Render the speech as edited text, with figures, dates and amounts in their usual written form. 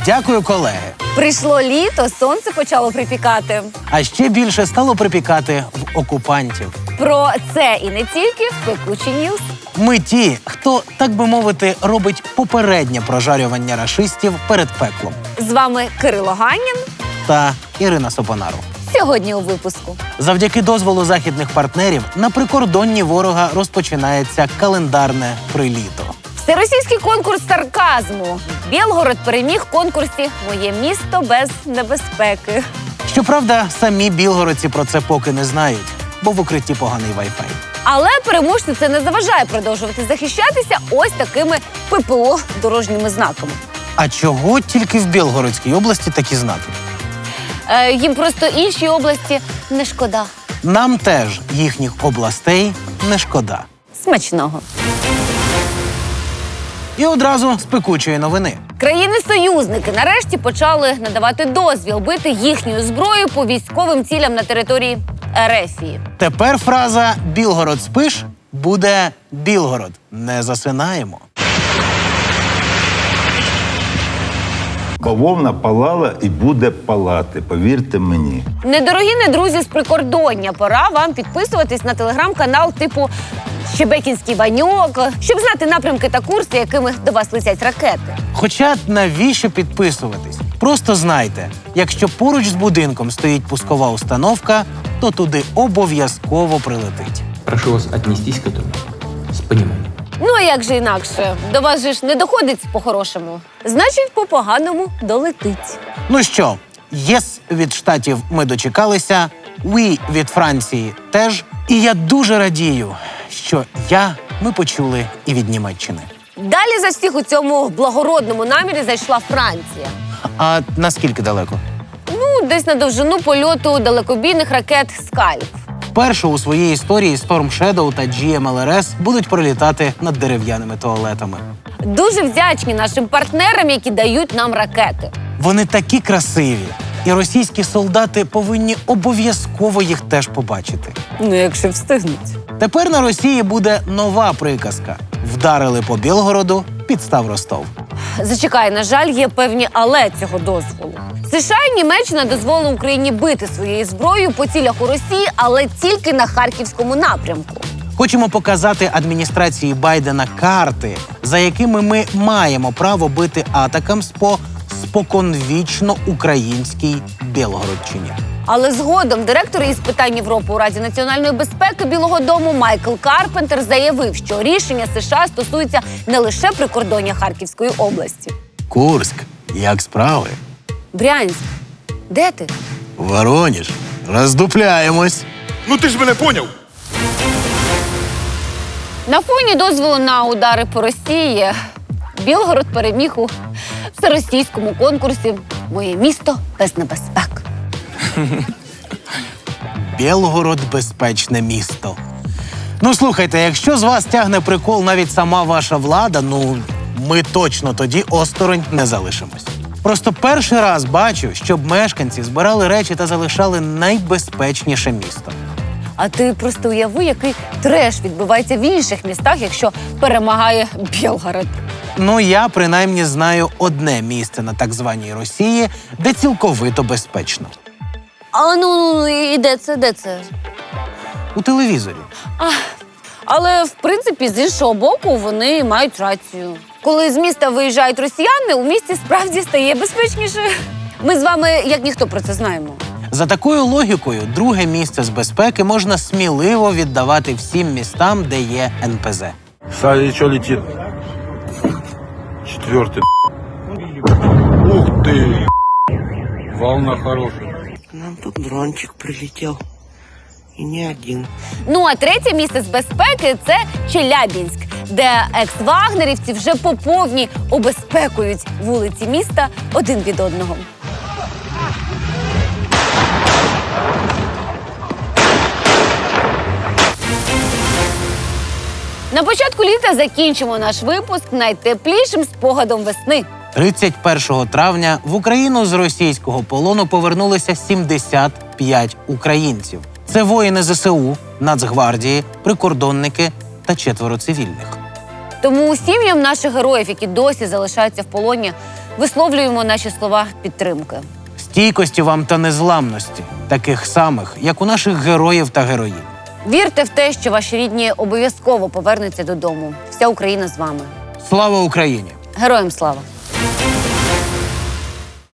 Дякую, колеги. Прийшло літо, сонце почало припікати. А ще більше стало припікати в окупантів. Про це і не тільки в Пекучі Ньюс. Ми ті, хто, так би мовити, робить попереднє прожарювання рашистів перед пеклом. З вами Кирило Ганнін. Та Ірина Сопонару. Сьогодні у випуску. Завдяки дозволу західних партнерів на прикордонні ворога розпочинається календарне приліто. Всеросійський конкурс сарказму. Білгород переміг в конкурсі «Моє місто без небезпеки». Щоправда, самі білгородці про це поки не знають, бо в укритті поганий вай-фай. Але переможцю це не заважає продовжувати захищатися ось такими ППО дорожніми знаками. А чого тільки в Білгородській області такі знаки? Їм просто інші області не шкода. Нам теж їхніх областей не шкода. Смачного. І одразу з пекучої новини. Країни-союзники нарешті почали надавати дозвіл бити їхньою зброєю по військовим цілям на території Ерефії. Тепер фраза «Білгород спиш» буде «Білгород, не засинаємо». Бавовна палала і буде палати, повірте мені. Недорогі недрузі з прикордоння, пора вам підписуватись на телеграм-канал типу «Щебекінський Ваньок», щоб знати напрямки та курси, якими до вас летять ракети. Хоча навіщо підписуватись? Просто знайте, якщо поруч з будинком стоїть пускова установка, то туди обов'язково прилетить. Прошу вас отнестись к этому с пониманием. Ну, а як же інакше? До вас же ж не доходить по-хорошому. Значить, по-поганому долетить. Ну що, єс від Штатів ми дочекалися, «oui» від Франції теж. І я дуже радію, що ми почули і від Німеччини. Далі за всіх у цьому благородному намірі зайшла Франція. А наскільки далеко? Ну, десь на довжину польоту далекобійних ракет «Скальп». Вперше у своїй історії Storm Shadow та GMLRS будуть пролітати над дерев'яними туалетами. Дуже вдячні нашим партнерам, які дають нам ракети. Вони такі красиві, і російські солдати повинні обов'язково їх теж побачити. Ну, якщо встигнуть. Тепер на Росії буде нова приказка. Вдарили по Білгороду, підстав Ростов. Зачекай, на жаль, є певні «але» цього дозволу. США і Німеччина дозволили Україні бити своєю зброєю по цілях у Росії, але тільки на Харківському напрямку. Хочемо показати адміністрації Байдена карти, за якими ми маємо право бити атакамс по споконвічно українській Білгородщині. Але згодом директор із питань Європи у Раді національної безпеки Білого дому Майкл Карпентер заявив, що рішення США стосується не лише прикордоння Харківської області. Курськ, як справи? Брянськ, де ти? Вороніж, роздупляємось. Ну ти ж мене поняв. На фоні дозволу на удари по Росії Білгород переміг у всеросійському конкурсі «Моє місто без небезпек». Білгород – безпечне місто. Ну, слухайте, якщо з вас тягне прикол навіть сама ваша влада, ми точно тоді осторонь не залишимось. Просто перший раз бачу, щоб мешканці збирали речі та залишали найбезпечніше місто. А ти просто уяви, який треш відбувається в інших містах, якщо перемагає Білгород. Я принаймні знаю одне місце на так званій Росії, де цілковито безпечно. А і де це? У телевізорі. Але, в принципі, з іншого боку, вони мають рацію. Коли з міста виїжджають росіяни, у місті справді стає безпечніше. Ми з вами, як ніхто, про це знаємо. За такою логікою, друге місце з безпеки можна сміливо віддавати всім містам, де є НПЗ. Сзади что летит? Четвертый. Ух ты! Волна хорошая. К нам тут дрончик прилетел. И не один. А третє місце з безпеки – це Челябінськ, де екс-вагнерівці вже по повній обезпекують вулиці міста один від одного. На початку літа закінчимо наш випуск найтеплішим спогадом весни. 31 травня в Україну з російського полону повернулися 75 українців. Це воїни ЗСУ, Нацгвардії, прикордонники та 4 цивільних. Тому сім'ям наших героїв, які досі залишаються в полоні, висловлюємо наші слова підтримки. Стійкості вам та незламності, таких самих, як у наших героїв та героїнь. Вірте в те, що ваші рідні обов'язково повернуться додому. Вся Україна з вами. Слава Україні! Героям слава!